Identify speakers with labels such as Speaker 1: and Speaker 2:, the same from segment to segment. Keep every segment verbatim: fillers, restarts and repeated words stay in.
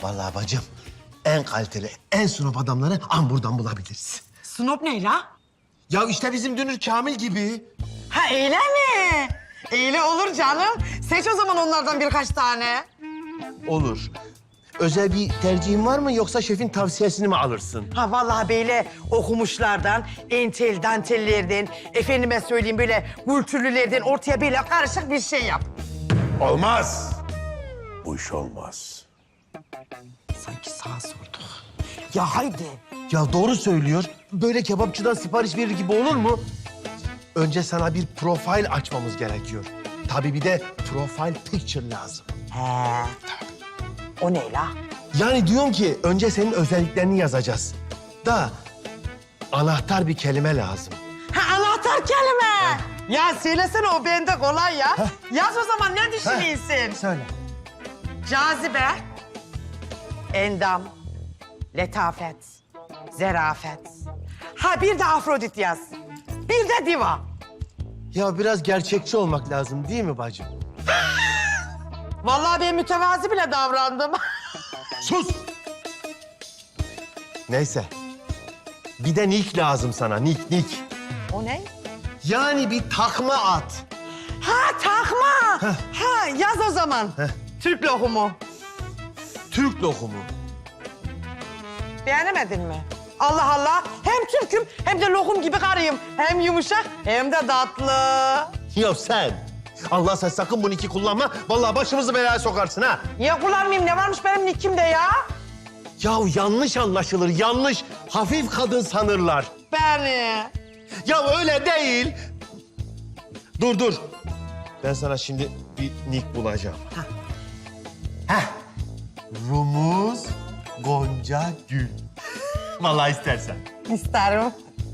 Speaker 1: Vallahi bacım, en kaliteli, en sunop adamları an buradan bulabiliriz.
Speaker 2: Snop ne la?
Speaker 1: Ya işte bizim Dünür Kamil gibi.
Speaker 2: Ha öyle mi? Öyle olur canım. Seç o zaman onlardan birkaç tane.
Speaker 1: Olur. Özel bir tercihin var mı yoksa şefin tavsiyesini mi alırsın?
Speaker 2: Ha vallahi böyle okumuşlardan, entel dantellerden, efendime söyleyeyim böyle kültürlülerden ortaya böyle karışık bir şey yap.
Speaker 3: Olmaz. Bu iş olmaz.
Speaker 2: Sanki sağa sorduk. Ya haydi.
Speaker 1: Ya doğru söylüyor. Böyle kebapçıdan sipariş verir gibi olur mu? Önce sana bir profil açmamız gerekiyor. Tabii bir de profile picture lazım.
Speaker 2: He. O ne la?
Speaker 1: Yani diyorum ki önce senin özelliklerini yazacağız. Da anahtar bir kelime lazım.
Speaker 2: Ha anahtar kelime. Ya söylesene o bende kolay ya. Yaz o zaman ne düşünüyorsun?
Speaker 1: Söyle.
Speaker 2: Cazibe, endam, letafet, zerafet. Ha bir de Afrodit yaz. Bir de diva.
Speaker 1: Ya biraz gerçekçi olmak lazım değil mi bacım?
Speaker 2: Vallahi ben mütevazi bile davrandım.
Speaker 1: Sus! Neyse. Bir de nick lazım sana, nick, nick.
Speaker 2: O ne?
Speaker 1: Yani bir takma at.
Speaker 2: Ha takma. Ha yaz o zaman. Türk lohumu.
Speaker 1: Türk lokumu.
Speaker 2: Beğenemedin mi? Allah Allah. Hem Türk'üm hem de lokum gibi karıyım. Hem yumuşak hem de tatlı.
Speaker 1: Ya sen, Allah sen sakın bu nicki kullanma. Vallahi başımızı belaya sokarsın ha.
Speaker 2: Niye kullanmayayım? Ne varmış benim nickimde ya?
Speaker 1: Ya yanlış anlaşılır, yanlış. Hafif kadın sanırlar.
Speaker 2: Beni.
Speaker 1: Ya öyle değil. Dur, dur. Ben sana şimdi bir nick bulacağım. Heh. Rumuz Gonca Gül. Vallahi istersen.
Speaker 2: İsterim.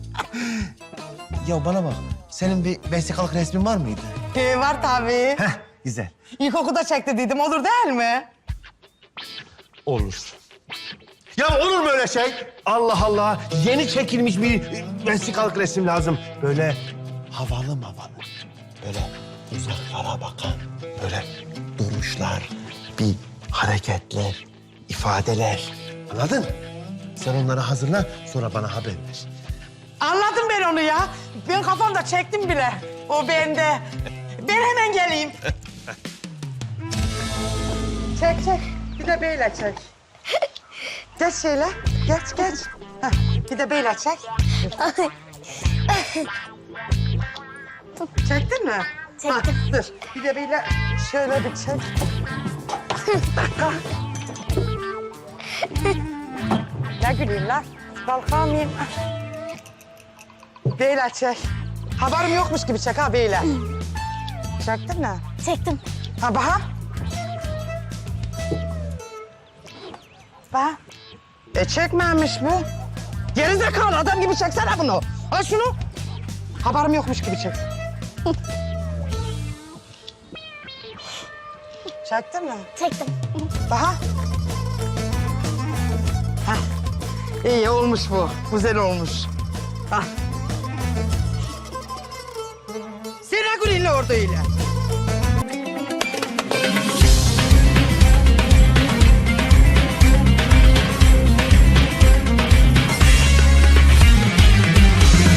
Speaker 1: Ya bana bak, senin bir vesikalık resmin var mıydı?
Speaker 2: Ee, var tabii.
Speaker 1: Heh, güzel.
Speaker 2: İlkokulda çekti dedim. Olur değil mi?
Speaker 1: Olur. Ya olur mu öyle şey? Allah Allah, yeni çekilmiş bir vesikalık resim lazım. Böyle havalı mavalı, böyle uzaklara bakan, böyle duruşlar, bir hareketler, ifadeler. Anladın? Sen onları hazırla, sonra bana haber ver.
Speaker 2: Anladım ben onu ya. Ben kafamda çektim bile. O bende. Ben hemen geleyim. Çek çek. Bir de böyle çek. Geç şöyle. Geç geç. Heh, bir de böyle çek. Çektin mi?
Speaker 4: Çektim.
Speaker 2: Ha, dur. Bir de böyle şöyle bir çek. Bir dakika. Ne güleyim lan? Kalkamayayım. Böyle çek. Haberim yokmuş gibi çek ha böyle. Çektin mi?
Speaker 4: Çektim.
Speaker 2: Ha bak. Bak. E çekmemiş bu. Gerizekalı adam gibi çeksene bunu. Al şunu. Haberim yokmuş gibi çek. Çektin mi?
Speaker 4: Çektim.
Speaker 2: Bak. Hah. İyi olmuş bu. Güzel olmuş. Hah. Sen ne gülüyorsun orada öyle?